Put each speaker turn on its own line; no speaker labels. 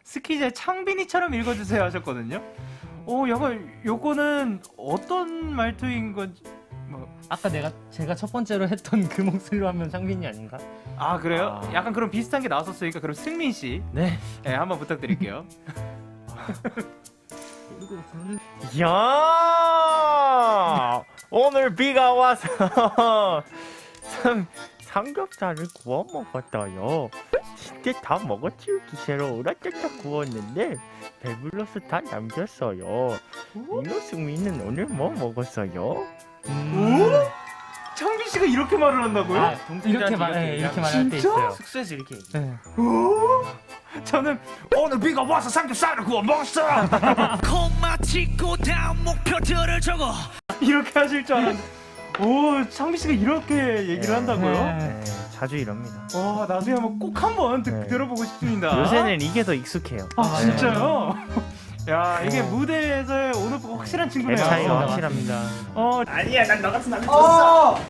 스키제 창빈이처럼 읽어주세요 하셨거든요. 약간 요거는 어떤 말투인 건지 뭐.
아까 제가 첫 번째로 했던 그 목소리로 하면 창빈이 아닌가?
아 그래요?
아.
약간 그런 비슷한 게 나왔었으니까 그럼 승민 씨,
네.
네, 한번 부탁드릴게요.
야 오늘 비가 와서 삼겹살을 구워 먹었어요. 진짜 다 먹어치우기 싫어 오락짝짝 구웠는데 배불러서 다 남겼어요. 이노승민은 오늘 뭐 먹었어요?
창빈 씨가 이렇게 말을 한다고요?
아, 이렇게 말할 때
진짜?
있어요.
숙소에서 이렇게
네.
저는 오늘 비가 와서 삼겹살을 구워 먹었어
콤마 찍고 다음 목표들을 적어.
이렇게 하실 줄 알았는데 창빈 씨가 이렇게 얘기를 한다고요?
네, 자주 이럽니다.
와 나중에 한번 꼭 한번
네.
들어보고 싶습니다.
요새는 이게 더 익숙해요.
아
네.
진짜요? 야 이게 무대에서의 오늘 확실한 친구네요.
랩 차이가 확실합니다.
아니야 난 너 같은 남자 줬어.